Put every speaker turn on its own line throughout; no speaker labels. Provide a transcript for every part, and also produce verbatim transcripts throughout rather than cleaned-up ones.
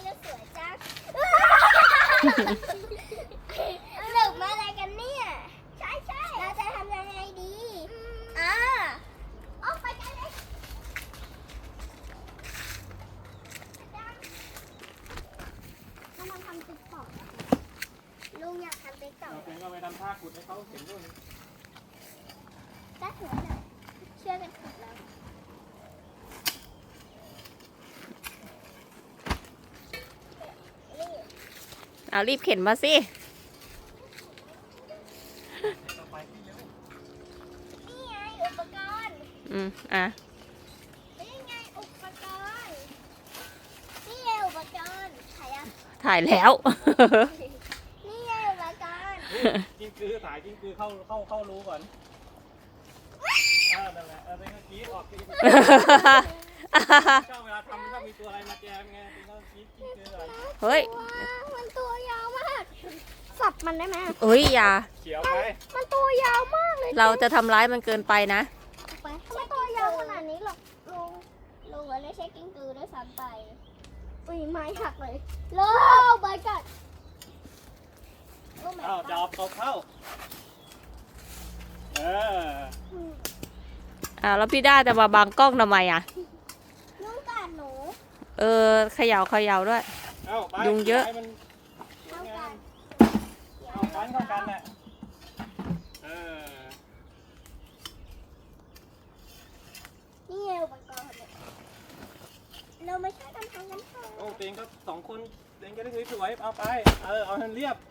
จะสวยจังหนึกมาอะไรกันเนี่ยใช่ใช่เราจะทำยังไงดีอ่าออกไปกันเลยถ้ามันทำติ๊กต็อกลุงอยากทำติ๊กต็อก
เราเป็นก็ไปทำท่าขุดให้เขาเห็นด้วย
ก็ถือเลยเชื่อกันถูกแล้วนี่
เอารีบเข็นมาสิ
นี่ไงอุปกรณ์
อืมอ่ะ
นี่ไงอุปกรณ์นี่ไงอุปกรณ์ถ่ายยัง
ถ่ายแล้ว
นี่ไงอุปกรณ์
กิ้งกือสายกิ้งกือเข้าเข้าเข้ารู้ก่อนเออนั่นแหละเออเป็นก็กรี๊ดออกกรี๊ดก็เวลาทำก็มีตัวอะไรมาแจมไงเป็นก็กรี๊ดกิ้งกือก่อน
เฮ้ย
ว้าวมันตัวยาวมากสับมันได้ไหม
เอ้ยอย่า
เขียวไป
มันตัวยาวมากเลย
เราจะทำร้ายมันเกินไปนะ
ไปทำไมตัวยาวขนาดนี้หรอกลุงลุงอะไม่ใช่กิ้งกือด้วยซ้ำไปอุ้ยไม้หักเลยโลบายกัดโอ้ my
อ้าว
god
จอบตบเข้าเออ
อ่าแล้วพี่ด้าจะมาบังกล้องทำไมอ่ะ
ลุงกัดหนู
เออเขย่าเขย่าด้วย
เอ้าไป
ยุงเยอะ
ให้มัน
เท่ากัน
เอากันเข้ากันแหละเออ
นี่ไงอุปกรณ์เนี่ยเราไม่ใช่กันทำกันเถอะ
โอ้เต็งก็สองคนเต็งจะได้สวยๆเอาไปเออเอาให้มันเรียบ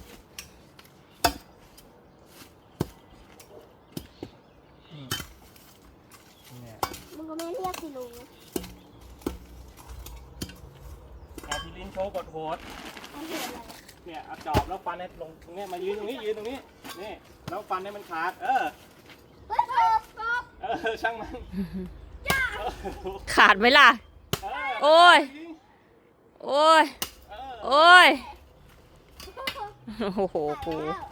เนี่ย
มึงก็ไม่เรียกสิลุง
เอาพี่ลิ้นโชว์กดโหด
เอาเห็นอะไร
เนี่ยเอาจอบแล้วฟันให้ลงตรงเนี้ยมายืนตรงนี้ยืนตรงนี้นี่แล้วฟันให้มันขาดเออ
เฮ้ยกบกบ
เออช่างมันเออ
ขาดไหมล่ะ
เออ
โอ้ย โอ้ย
เออ
โอ้ย โอ้โหปู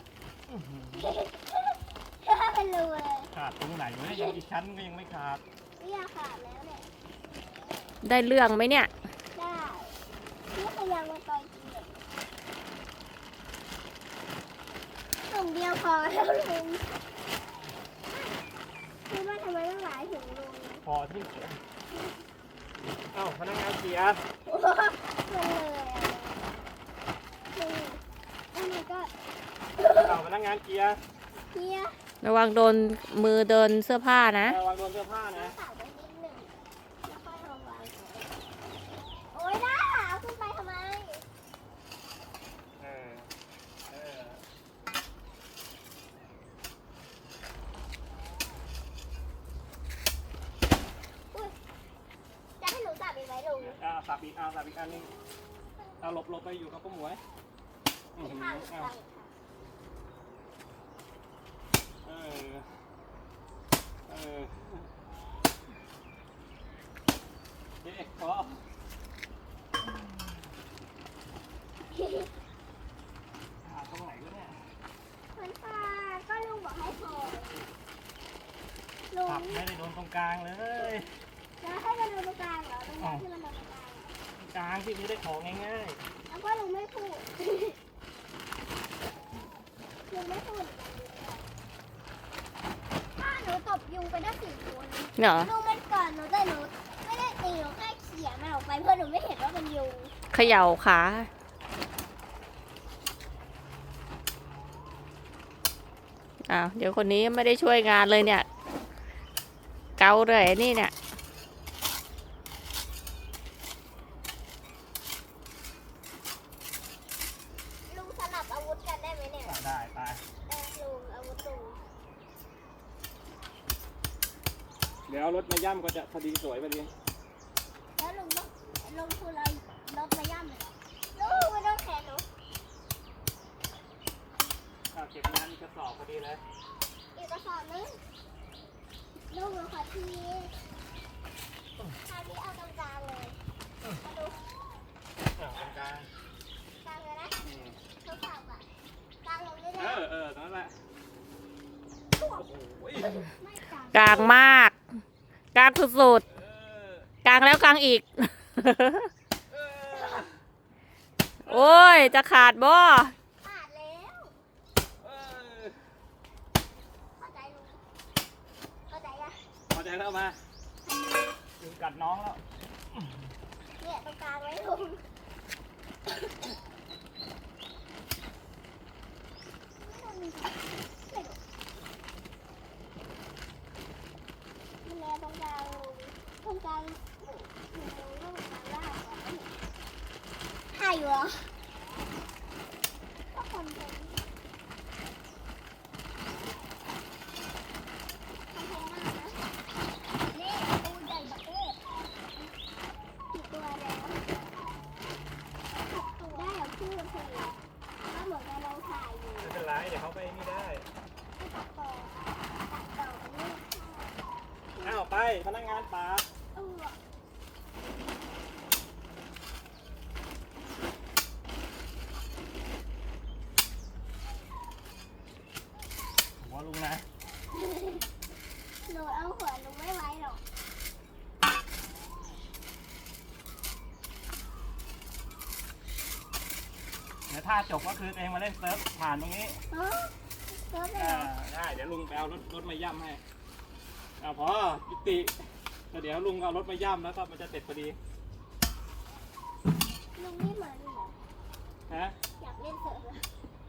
ถ้าเป็นรูเลย
ขาดตรงไหนวะเนี่ยยังอีกชั้นก็ยังไม่ขาด
เนี่ยขาดแล้วเนี่ย
ได้เรื่องไหมเนี่ย
ได้นี่พยายามมาต่อยจริงเลยถุงเดียวพอแล้วลุงคิดว่าทำไมต้องหลายถุงลุง
พอที่เสียเอ้าพนักงานเสีย
โอ้โหมันเลยอ่ะลุงโอ้ my god
เอ้าพนักงานเกียร์
เฮีย
ระวังโดนมือเดินเสื้อผ้านะ
ระวังโดนเสื้อผ้านะ
สาวไปนิดหนึ่งแล้วค่อยเอาวางโอ๊ยด้าเอาขึ้นไปทำไม
เออเออ
จะให้หนูจับอีกไหมลุง
เอาสับอีกเอาสับอีกอันนึงเอาหลบหลบไปอยู่กับป้าหมวยอื้อหือ
ข้าง
เอา
ข้าง
เออเออเด็กพอหาตรงไหนวะเนี่ย
มันปลาก็ลุงบอกให้พอลุง
สับไม่ได้โดนตรงกลางเลย
แล้วให้มันโดนตรงกลางเหรอตรงนี้ที่มันโดนตรงกลาง
ตรงกลางที่ไม่ได้ของง่าย
แล้วก็ลุงไม่พูดลุงไม่พูดถ้าหนูตบยุงไปได้สี่ตัวนะ
เหรอ
ลุงมันก่อนหนูแต่หนูไม่ได้ตีหนูแค่เขี่ยมันออกไปเพื่อหนูไม่เห็นว่ามันยุง
เขย่าขา อ้าว เดี๋ยวคนนี้ไม่ได้ช่วยงานเลยเนี่ย เกาเลยนี่เนี่ย
ลุงสลับอาวุธกันได้ไหมเนี่ย
ๆได้ไป
เออลุงอาวุธลุง
เดี๋ยวเอารถมาย่ำก็จะพอดีสวยพอดี
แล้วลุงต้องลุงคือเราลบมาย่ำเลยเหรอลุงไม่ต้องแขนหนู
อ่ะเก็บงานอีกกระสอบพอดีเลย
อีกกระสอบนึงลุงหนูขอทีทาที่เอาตรงกลางเลยมาดู
อ่ะตรงกลาง
กลางเลยนะ
อืม
ทดสอบอ่ะกลางลงได้ไหม
เออเออตรงนั้นแหละโอ้โห
ไม่กลาง
กลางมาก กลางสุด
เออ
ๆ กลางแล้วกลางอีก
เออ
โอ้ย จะขาดบ่
ขาดแล้ว
เออ
เข้าใจลุงเข้าใจยัง
พอใจแล้วมาลุงกัดน้องแล้ว
เนี่ยตรงกลางไว้ลุงมันแลตรงกลางลุงตรงกลางหนูหนูลูกกลางล่างก่อนถ่ายอยู่เหรอก็คนเป็นคอนเทนต์มากนะนี่ปูใหญ่บักเอ๊ะกี่ตัวแล้วหกตัวได้เหรอพี่เพลงก็เหมือนกับเราถ่ายอยู่
ไม่เป็นไรเดี๋ยวเขาไปนี่ได้
ให้ตัดต่อตัดต่อนี่
อ้าวไปพนักงานป่า
เออ
หัวลุงนะ
หนูเอาหัวหนูไม่ไว้หรอก
เดี๋ยวถ้าจบก็คือตัวเองมาเล่นเซิร์ฟผ่านตรงนี้
เออเกิดไป
อ่า
เหรอ
ได้เดี๋ยวลุงไปเอารถรถมาย่ำให้เอาพอยุติแล้วเดี๋ยวลุงเอารถมาย่ำแล้วก็มันจะเสร็จพอดี
ลุงไม่เหมือนเหรอ
ฮะ
อยากเล่นเสิร์ฟเหรอ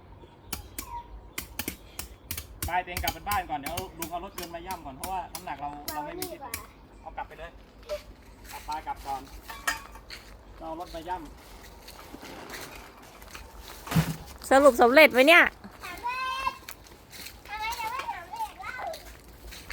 ไปเตงกลับไปบ้านก่อนเดี๋ยวลุงเอารถยนต์มาย่ำก่อนเพราะว่าน้ำหนักเรา
เรา
เราไม่มี
นี่
สิท
กว่า
ธิ์เอากลับไปเลยกลับไปกลับก่อนเราเอารถมาย่ำ
สรุปสำเร็จไหมเนี่ย